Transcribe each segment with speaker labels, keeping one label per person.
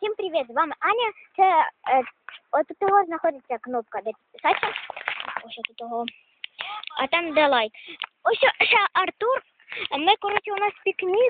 Speaker 1: Всім привіт, з вами Аня. Це от тут того знаходиться кнопка, де підписатися. Ось тут того. А там де лайк. Ось ще Артур. Ми, коротше, у нас пікнік.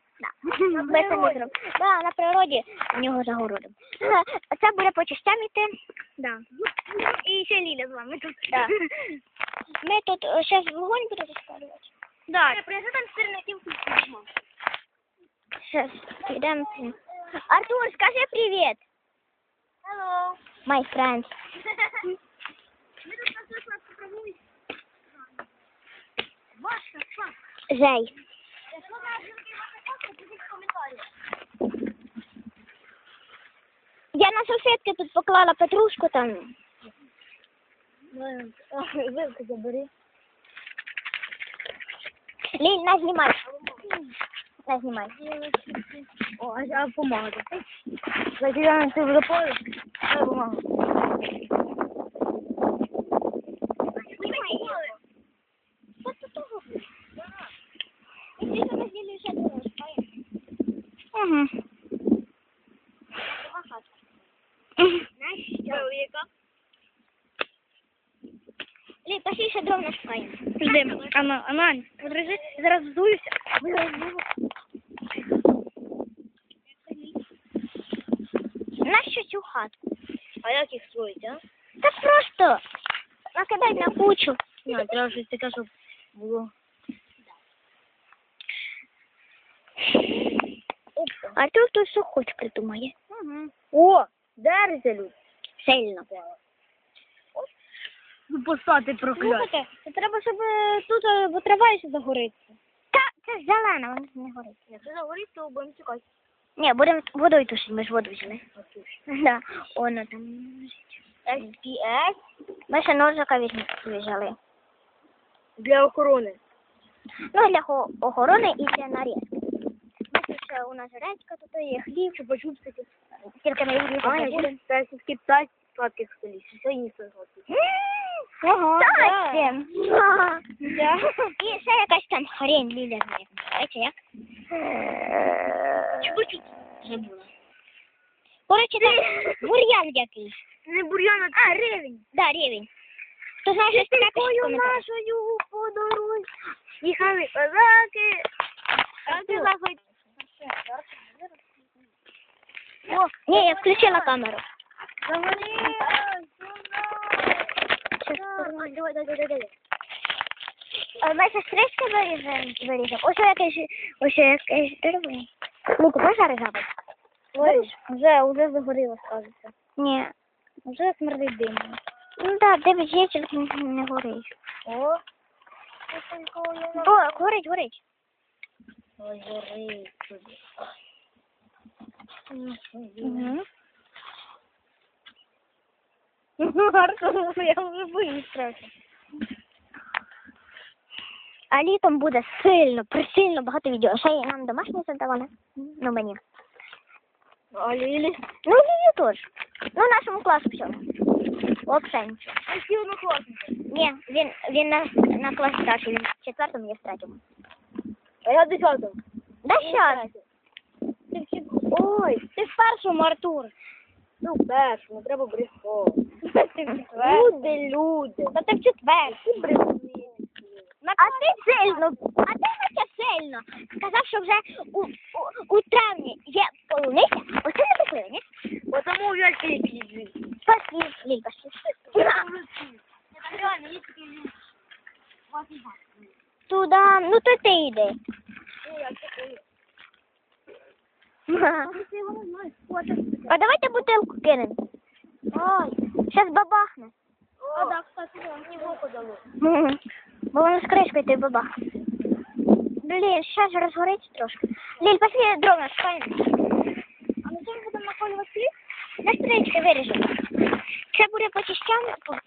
Speaker 1: Да, на природі у нього за городом. Це буде по частям іти. Да.
Speaker 2: І ще Ліля з вами тут.
Speaker 1: Да. Ми тут зараз вогонь будемо розпалювати.
Speaker 2: Да. Принеси там сирників.
Speaker 1: Сейчас, идем. Артур, скажи привет.
Speaker 2: Hello.
Speaker 1: My friends.
Speaker 2: Ми тут нас попробуємо. Ваша,
Speaker 1: Зай.
Speaker 2: якщо на жінки ваша фотка, пишіть в коментарях.
Speaker 1: Я на салфетки тут поклала петрушку там.
Speaker 2: Вилку забери.
Speaker 1: Ліль, на знімай. На знімай.
Speaker 2: О, а помага. Закидаємо це в запалиш, а помага.
Speaker 1: Угу.
Speaker 2: Чоловіка.
Speaker 1: Ліль, пошли ще дров нашукаємо.
Speaker 2: Ждемо. Анань, подержи, зараз здуюся.
Speaker 1: Нащо цю хатку?
Speaker 2: А як їх строїть, а?
Speaker 1: Та просто накидай на кучу.
Speaker 2: Ні, треба щось таке, щоб було.
Speaker 1: Артур тут що хоч придумає.
Speaker 2: Угу. О, держися, Люд.
Speaker 1: Сильно.
Speaker 2: Ну, постати прокляти.
Speaker 1: Слухайте,
Speaker 2: Це треба, щоб тут, бо трава ще загориться.
Speaker 1: Та це ж зелена, вона не горить.
Speaker 2: Якщо загорить, то будемо чекати.
Speaker 1: Ні, будемо водою тушити, ми ж воду взяли. Да, воно там лежить.
Speaker 2: SPS
Speaker 1: Ми ще ножика взяли.
Speaker 2: для охорони.
Speaker 1: Ну, для охорони і для нарізки. Ось ще у нас редька, тут є хліб,
Speaker 2: Чупа-чупсики.
Speaker 1: тільки не їдемо.
Speaker 2: Аня, це сільські птахи сладких столів. Все їсти сладких.
Speaker 1: Ага,
Speaker 2: да.
Speaker 1: Да. І ще якась там хрень, Ліля знає. Знаєте, як?
Speaker 2: Чупа-чупс. Забула.
Speaker 1: Коротше, там бур'ян якийсь.
Speaker 2: Не бур'ян, а ревень.
Speaker 1: Да, рівень. Хто знає, що це
Speaker 2: Такою нашою по дорозі. Їхали козаки. А ти заходь.
Speaker 1: О, ні, я включила камеру.
Speaker 2: Давай.
Speaker 1: Ми ще стрижки виріжемо. Ось якесь дерево. Луку, можеш різати?
Speaker 2: Вже загоріло, скажеться.
Speaker 1: Ні.
Speaker 2: Вже смердить димом.
Speaker 1: Ну так, дивись, є, тільки не горить.
Speaker 2: О,
Speaker 1: О, горить, горить.
Speaker 2: ой, горить.
Speaker 1: Угу.
Speaker 2: Гарно, я вже боюсь трохи.
Speaker 1: А літом буде присильно багато відео. Ще й нам домашні задавали. Ну, мені.
Speaker 2: А Лілі?
Speaker 1: Ну, Лілі теж. Ну, нашому класу всьому. Взагалі нічого.
Speaker 2: А всі однокласники?
Speaker 1: Ні, він на класі старший, він в 4-му, я в 3-му.
Speaker 2: А я в 10-му.
Speaker 1: Да щас.
Speaker 2: Ой, ти в першому, Артур. Ну, в першому, треба брехати. Люди.
Speaker 1: Та ти в 4-му.
Speaker 2: Брехни.
Speaker 1: А ти сильно, сильно. Сказав, що вже у травні є полуниця. Оце не покрили, ні?
Speaker 2: Потому я тебе пиздю.
Speaker 1: Пошли, Ліль, пошли.
Speaker 2: Реально, есть такие люди.
Speaker 1: Туда, ну то ти йди. А давайте бутилку кинемо. Ой, зараз бабахне.
Speaker 2: А, да, кстати, мне в око дало.
Speaker 1: Бо воно з кришкою ти бабахне. Блін, зараз же розгориться трошки. Ліль, пошли дров нашукаємо.
Speaker 2: А на чому будемо наколювати хліб?
Speaker 1: На стрічки виріжемо. Це буде по частям,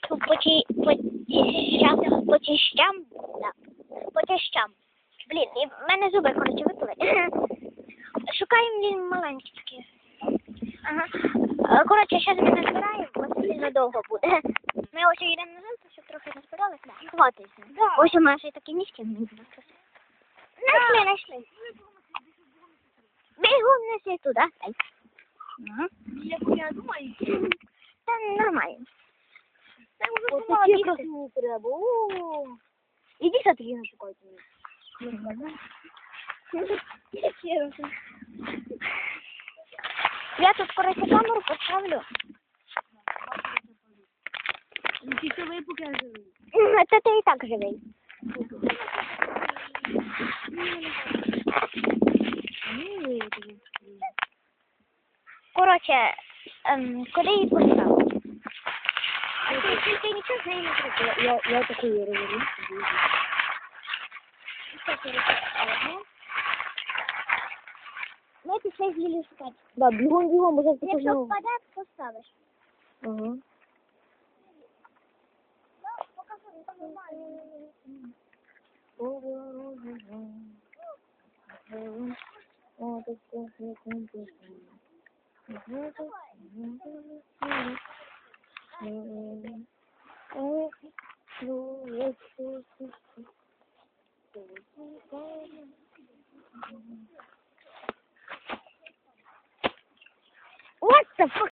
Speaker 1: по частям. Блін, і в мене зуби, коротше, випали. Шукаємо Ліль маленькі такі. Ага. Коротше, зараз ми назбираємо, бо це сильно довго буде. Ми ось йдемо назад, щоб трохи назбиралися. Хватиться.
Speaker 2: Да.
Speaker 1: Ось у мене ще такі низькі. Знайшли. Бігом неси туди. Ага.
Speaker 2: Я думаю,
Speaker 1: Та нормально.
Speaker 2: це вже
Speaker 1: От
Speaker 2: сама
Speaker 1: такі
Speaker 2: бігти.
Speaker 1: красиві треба. О.
Speaker 2: Іди таки не шукайте.
Speaker 1: Я тут, коротше, камеру поставлю.
Speaker 2: Тільки ви поки живі.
Speaker 1: Та ти і так живий. Коротше, куди її поставив? Ти нічого з нею не зробила.
Speaker 2: Я такої говорю.
Speaker 1: Ми пішли з Лілі шукати.
Speaker 2: Да, бігом, уже
Speaker 1: Якщо впаде, поставиш.
Speaker 2: Ага.
Speaker 1: What the fuck?